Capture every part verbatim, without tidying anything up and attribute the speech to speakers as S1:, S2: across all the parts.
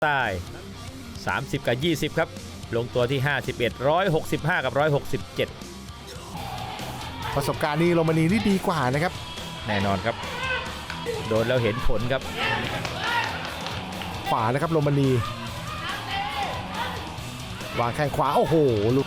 S1: ใต้สามสิบกับยี่สิบครับลงตัวที่ห้าสิบเอ็ด หนึ่งร้อยหกสิบห้ากับหนึ่งร้อยหกสิบเจ็ด
S2: ประสบการณ์นี้โรมานีนี่ดีกว่านะครับ
S1: แน่นอนครับโดนแล้วเห็นผลครับ
S2: ขวานะครับโรมานีวางแข้งขวาโอ้โหลูก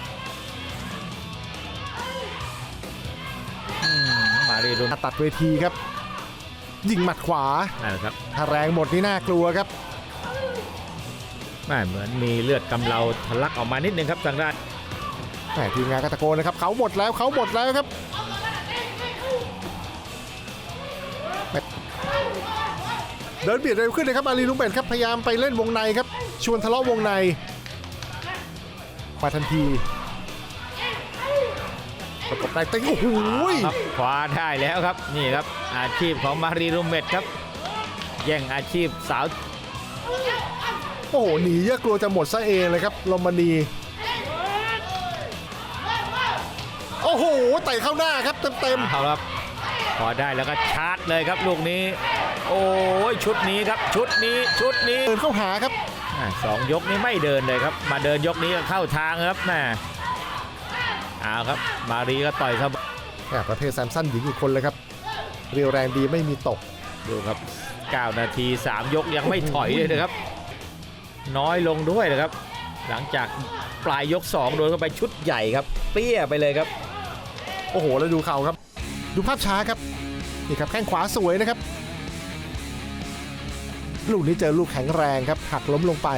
S1: มาเรียน
S2: ตัดเวทีครับยิงหมัดขวา
S1: ครับ
S2: ถ้าแรงหมดนี่น่ากลัวครับ
S1: ไม่เหมือนมีเลือดกำเดาทะลักออกมานิดนึงครับทางด้าน
S2: แหมทีมงานก็ตะโกนนะครับเขาหมดแล้วเขาหมดแล้วครับเดินเบียดเร็วขึ้นเลยครับอาลีลุงเบนครับพยายามไปเล่นวงในครับชวนทะเลาะวงในมาทันทีประกบได้เต็งโอ้โห
S1: คว้าได้แล้วครับนี่ครับอาชีพของมารีรูเมตครับแย่งอาชีพสาว
S2: โอ้โหหนีเยอะกลัวจะหมดซะเองเลยครับโรมานีโอ้โหเตะเข้าหน้าครับเต็มๆ
S1: เอาครับพอได้แล้วก็ชาร์จเลยครับลูกนี้โอ้ยชุดนี้ครับชุดนี้ชุดนี้
S2: เดินเข้าหาครับ
S1: สองยกนี้ไม่เดินเลยครับมาเดินยกนี้ก็เข้าทางครับแม่เอาครับมารีก็ต่อยเข้า
S2: ประเภทแซมสันหญิงอีกคนเลยครับเรียวแรงดีไม่มีตก
S1: ดูครับเก้านาทีสามยกยังไม่ถอยเลยนะครับน้อยลงด้วยนะครับหลังจากปลายยกสองโดนเข้าไปชุดใหญ่ครับเปี้ยไปเลยครับ
S2: โอ้โหแล้วดูเข่าครับดูภาพช้าครับนี่ครับแข้งขวาสวยนะครับลูกนี้เจอลูกแข็งแรงครับหักล้มลงไป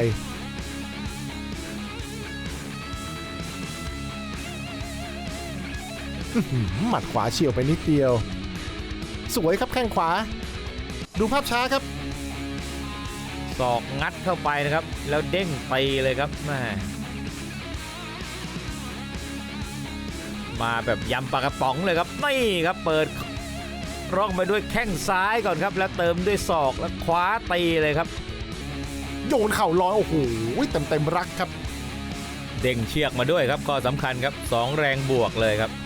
S2: หมัดขวาเฉี่ยวไปนิดเดียวสวยครับแข้งขวาดูภาพช้าครับ
S1: ศอกงัดเข้าไปนะครับแล้วเด้งไปเลยครับแม่มาแบบยำปลากระป๋องเลยครับนี่ครับเปิดร่องไปด้วยแข้งซ้ายก่อนครับแล้วเติมด้วยศอกแล้วคว้าตีเลยครับ
S2: โยนเข่าลอยโอ้โหเต็มเต็มรักครับ
S1: เด้งเชือกมาด้วยครับก็สำคัญครับสองแรงบวกเลยครับ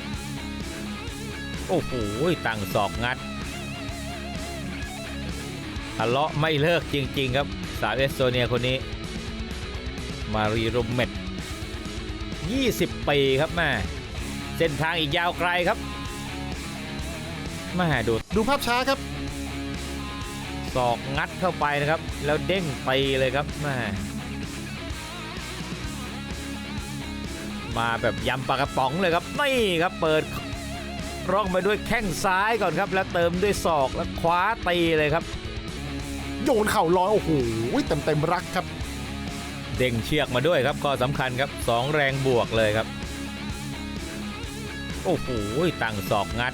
S1: โอ้โหตั้งศอกงัดทะเลาะไม่เลิกจริงๆครับสาวเอสโตเนียคนนี้มารีรูเมตยี่สิบปีครับแม่เส้นทางอีกยาวไกลครับมาดู
S2: ดูภาพช้าครับ
S1: ศอกงัดเข้าไปนะครับแล้วเด้งไปเลยครับแม่มาแบบยำปลากระป๋องเลยครับนี่ครับเปิดร่องไปด้วยแข้งซ้ายก่อนครับแล้วเติมด้วยศอกแล้วคว้าตีเลยครับ
S2: โยนเข่าลอยโอ้โหเต็มเต็มรักครับ
S1: เด้งเชือกมาด้วยครับก็สำคัญครับสองแรงบวกเลยครับโอ้โหตั้งศอกงัด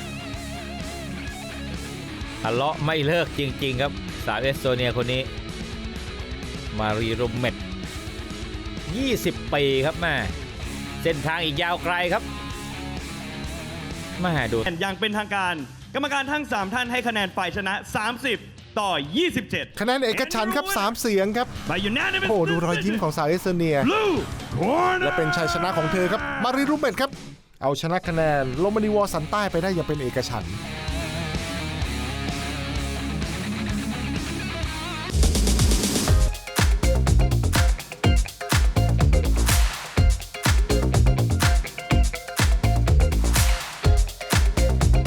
S1: ทะเลาะไม่เลิกจริงๆครับสาวเอสโตเนียคนนี้มารีรูเมตยี่สิบปีครับแม่เส้นทางอีกยาวไกลครับมาดู
S3: อย่างเป็นทางการกรรมการทั้งสามท่านให้คะแนนฝ่ายชนะสามสิบต่อยี่สิบเจ็ด
S2: คะแนนเอกฉันท์ครับสามเสียงครับโอ้ดูรอยยิ้มของสาวเอสโตเนียและเป็นชัยชนะของเธอครับมารีรูเมตครับเอาชนะคะแนนโรมานีวอสันใต้ไปได้อย่างเป็นเอกฉันท์